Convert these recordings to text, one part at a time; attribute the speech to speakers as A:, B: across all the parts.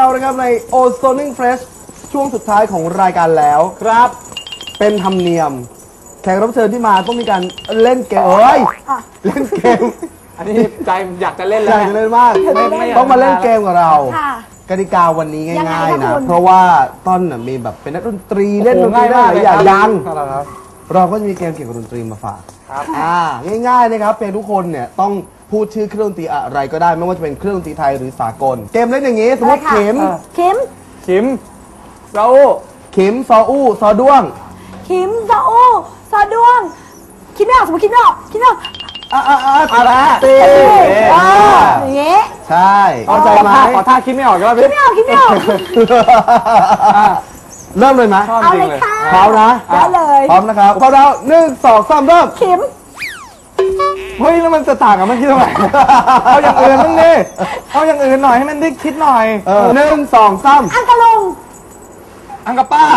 A: นะครับใน Ozoning Fresh ช่วงสุดท้ายของรายการแล้วครับเป็นธรรมเนียมแขกรับเชิญที่มาต้องมีการเล่นเกมเล่นเกม
B: อันนี้ใจอยากจะเล่นแล้ว
A: อยากจะเล่นมากต้องมาเล่นเกมกับเรากติกาวันนี้ง่ายๆนะเพราะว่าต้นมีแบบเป็นนักดนตรีเล่นดนตรีได้หลายอย่างดังเราก็จะมีเกมเกี่ยวกับดนตรีมาฝากง่ายๆนะครับเพียงทุกคนเนี่ยต้องพูดชื่อเครื่องดนตรีอะไรก็ได้ไม่ว่าจะเป็นเครื่องดนตรีไทยหรือสากลเกมเล่นอย่างนี้สมมติขิม
B: ซออู้
A: ขิมซออู้ซอด้วง
C: ขิมซออู้ซอด้วงคิดไม่ออกสมมติคิดไม่ออก
A: อะไรตี
C: อย่างเงี้ย
A: ใช่เข้าใจไหม
B: ขอท่าคิดไม่ออกก็
C: คิดไม่ออก
A: เริ่มเลยไหม
C: เอาเลยค่ะ
A: พร้อมนะ
C: ได้เลย
A: พร้อมนะครับพร้อมแล้ว1 2 3เริ่ม
C: ขิม
B: เฮ้ยแล้วมันจะต่างกับเมื่อกี้ตรงไหนเอาอย่างอื่นบ้างดิเอาอย่างอื่นหน่อยให้มันได้คิดหน่อย
A: 1 2 3
C: อังกะลุง
B: อังกะป้า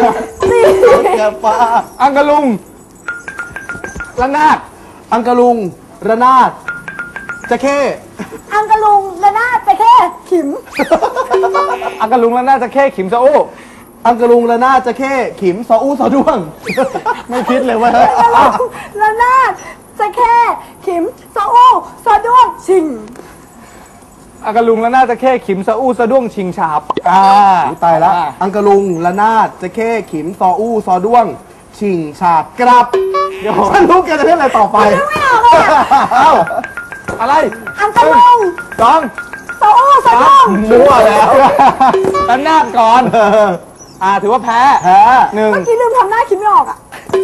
B: อังกะลุงระนาด
A: อังกะลุงระนาดจะเข้
C: อังกะลุงระนาดจะเข้ขิม
B: อังกะลุงระนาดจะเข้ขิมซออู้
A: อังกะลุงระนาดจะเข้ขิมซออู้ซอด้วงไม่คิดเลยว่า
C: ระนาดจะเข้ขิมซออู้ซอด้วงชิง
B: อังกะลุงระนาดจะเข้ขิมซออู้ซอด้วงชิงฉาบ
A: ตายแล้วอังกะลุงระนาดจะเข้ขิมซออู้ซอด้วงชิงฉาบกรับเดี๋ยวฉันรู้แกจะเล่นอะไรต่อไป
C: ไม่ออกเลย
B: อะไร
C: อังกะลุง
B: สอง
C: ซออู้ซอด้วง
A: มั่วแล้ว
B: ระนาดก่อนถือว่าแพ้1เ
C: มื่อกี้ลืมทำหน้าคิดไม่ออก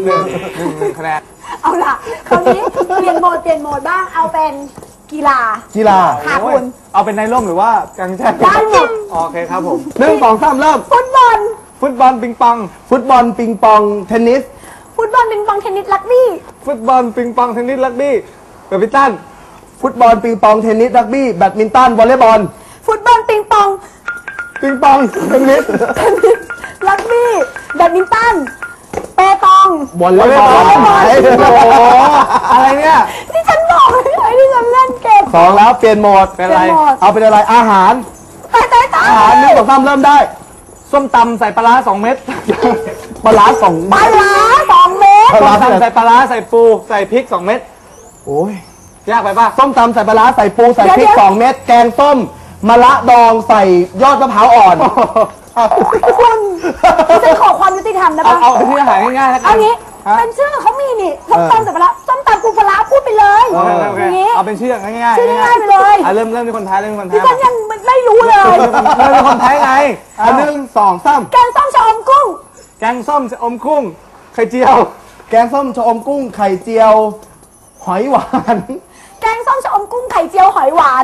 B: 1คะแนน
C: เอาล่ะคราวนี้เปลี่ยนโหมดบ้างเอาเป็นกีฬาค่ะคุณ
B: เอาเป็นในร่มหรือว่ากางแจ้ง
C: ได้หมด
B: โอเคครับผม
A: 1 2 3เริ่ม
C: ฟุตบอล
B: ปิงปอง
A: ฟุตบอลปิงปองเทนนิส
C: ฟุตบอลปิงปองเทนนิสรักบี้
B: ฟุตบอลปิงปองเทนนิสรักบี้แบดมินตัน
A: ฟุตบอลปิงปองเทนนิสรักบี้แบดมินตันวอลเลย์บอล
C: ฟุตบอลปิงปอง
A: เทนนิส
C: รักบี้แบดมินตันเปตอง
A: วอลเลย์บอล
B: อะไรเนี่ย
C: ที่ฉันบอกเลยที่ฉันเล่นเกม
A: 2แล้วเปลี่ยนโหมด
B: เป็นอะไร
A: เอาเป็นอะไรอาหารอาหาร1 2 3เริ่มได้
B: ส้มตำใส่ปลาร้า2 เม็ด
A: ปลาร้า2 เม็ด
B: ส้มตำใส่ปลาร้าใส่ปูใส่พริก2 เม็ด
A: โอ้ย
B: ยากไปป่ะ
A: ส้มตำใส่ปลาร้าใส่ปูใส่พริก2 เม็ดแกงส้มมะระดองใส่ยอดมะพร้าวอ่อน
C: คุณฉันขอความยุติธรรมนะป่ะ
B: เอาเป็นที่อาหารง่ายๆ
C: เอางี้เป็นชื่อเขามีนี่ส้มตำใส่ปลาร้าส้มตำปูปลาร้าพูดไปเลย
B: อย่างนี้เอาเป็นชื่อง่าย
C: ๆชื่อง่ายไปเลย
B: เริ่มที่คนไทย
C: ที่ฉันยังไม่รู้เลย
B: คนไทยไง
A: 1 2 3
C: แกงส้มชะอมกุ้ง
B: แกงส้มชะอมกุ้งไข่เจียว
A: แกงส้มชะอมกุ้งไข่เจียวหอยหวาน
C: แกงส้มชะอมกุ้งไข่เจียวหอยหวาน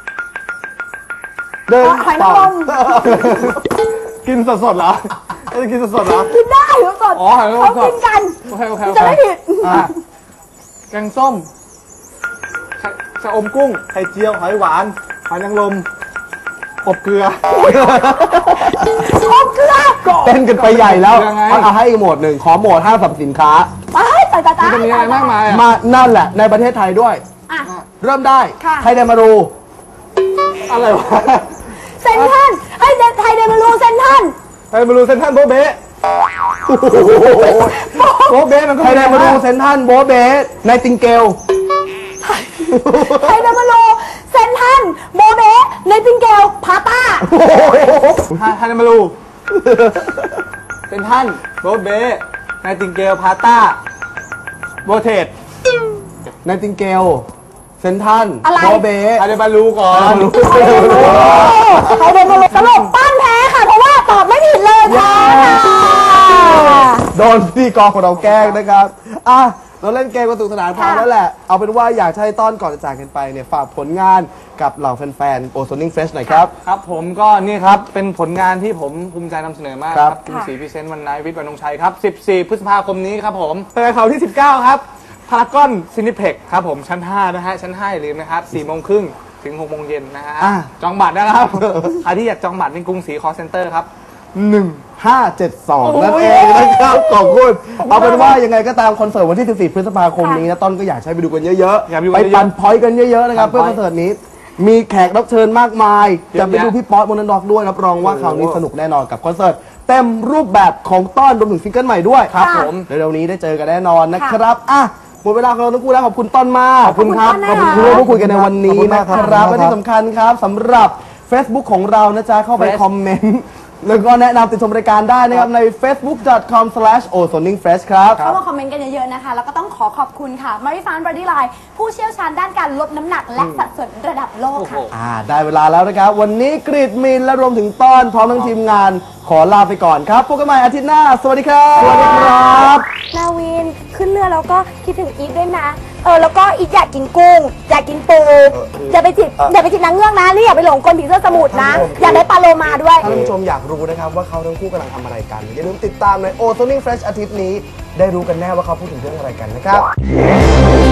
C: หอยนางรม
B: กินสดๆเหรอจะกินสดๆเหรอ
C: กินได้สด
B: เขา
C: กินกันจะไม่ผิด
B: แกงส้มชะอมกุ้งไข่เจียวหอยหวานหอยนางรมอบเกลือ
A: เต้นกันไปใหญ่แล้วเอาให้อีกโหมดหนึ่งขอโหมดห้างสรรพสินค้า
B: จะมีอะไรมากมาย
A: มานั่นแหละในประเทศไทยด้วยเริ่มได้ไทยเดมารู
B: อะไรวะ
C: เซนทันไทยเดมารูเซนทัน
B: โบเบ้โบเบ้มันก็
A: ไทยเดมารูเซนทันโบเบ้ในติงเกล
C: ไทยเดมารูเซนทันโบเบ้ในติงเกลพาต้า
B: ไทยเดมารูเซนทันโบเบ้ในติงเกลพาต้าโบเทส
A: ในติงเกลเซนทันโบเบ้
B: ไทยเดมารูก่อน
C: ไทยเดมารูสรุปป้านแพ้ค่ะเพราะว่าตอบไม่ผิดเลยค่ะ
A: โดนพี่กองของเราแกล้งนะครับเราเล่นเกมกันสนุกสนานพอแล้วแหละเอาเป็นว่าอยากให้ต้อนก่อนจะจากกันไปเนี่ยฝากผลงานกับเหล่าแฟนๆ Ozoning Fresh หน่อยครับ
B: ครับผมก็นี่ครับเป็นผลงานที่ผมภูมิใจนำเสนอมากครับคุณศรีพิเศษวันนายวิทย์วรรณงชัยครับ14 พฤษภาคมนี้ครับผมเปิดเขาที่19ครับพารากอนซินิเพ็กครับผมชั้น5นะฮะชั้น5อย่าลืมนะครับ4 โมงครึ่งถึง6 โมงเย็นนะฮะจองบัตรนะครับใครที่อยากจองบัตรในกรุงศรีคอลเซ็นเตอร์ครับ
A: 1572นั่นเองนะครับขอบคุณเอาเป็นว่ายังไงก็ตามคอนเสิร์ตวันที่14 พฤษภาคมนี้นะต้นก็อยากใช้ไปดูกันเยอะๆไปปั่นพอยต์กันเยอะๆนะครับเพื่อคอนเสิร์ตนี้มีแขกรับเชิญมากมายจะไปดูพี่ป๊อตมนต์ดอกด้วยรับรองว่าคราวนี้สนุกแน่นอนกับคอนเสิร์ตเต็มรูปแบบของต้อนรวมถึงซิงเกิลใหม่ด้วย
B: ครับผม
A: เร็วๆนี้ได้เจอกันแน่นอนนะครับอ่ะหมดเวลาของเราทั้งคู่แล้วขอบคุณต้นมาก
B: ขอบคุณครับ
A: ขอบคุณที่ร่วมพูดคุยกันในวันนี้นะครับและที่สำคัญครับสำหรับ Facebook ของเรานะจ๊ะเข้าไปคอมเมนต์แล้วก็แนะนำติดชมรายการได้นะครับใน facebook.com/ozoningfresh ครับ
C: เข้ามาคอมเมนต์กันเยอะๆนะคะ แล้วก็ต้องขอบคุณค่ะ Marifan Body Line ผู้เชี่ยวชาญด้านการลดน้ำหนักและสัดส่วนระดับโลกค่ะ
A: ได้เวลาแล้วนะครับ วันนี้กรีดมินและรวมถึงต้อนพร้อมทั้งทีมงานขอลาไปก่อนครับพบกันใหม่อาทิตย์หน้า สวัสดีครับ
B: สวัสดีครับ
C: นาวินขึ้นเรือแล้วก็คิดถึงอีฟด้วยนะแล้วก็อีฟอยากกินกุ้ง อยากกินปูอย่าไปจิบนางเงือกนะนี่อย่าไปหลงกลผีเสื้อสมุทรนะ อยากได้ปลาโลมาด้วย
A: ท่านผู้ชมอยากรู้นะครับว่าเขาทั้งคู่กำลังทำอะไรกัน อย่าลืมติดตามใน Ozoning Fresh อาทิตย์นี้ ได้รู้กันแน่ว่าเขาพูดถึงเรื่องอะไรกันนะครับ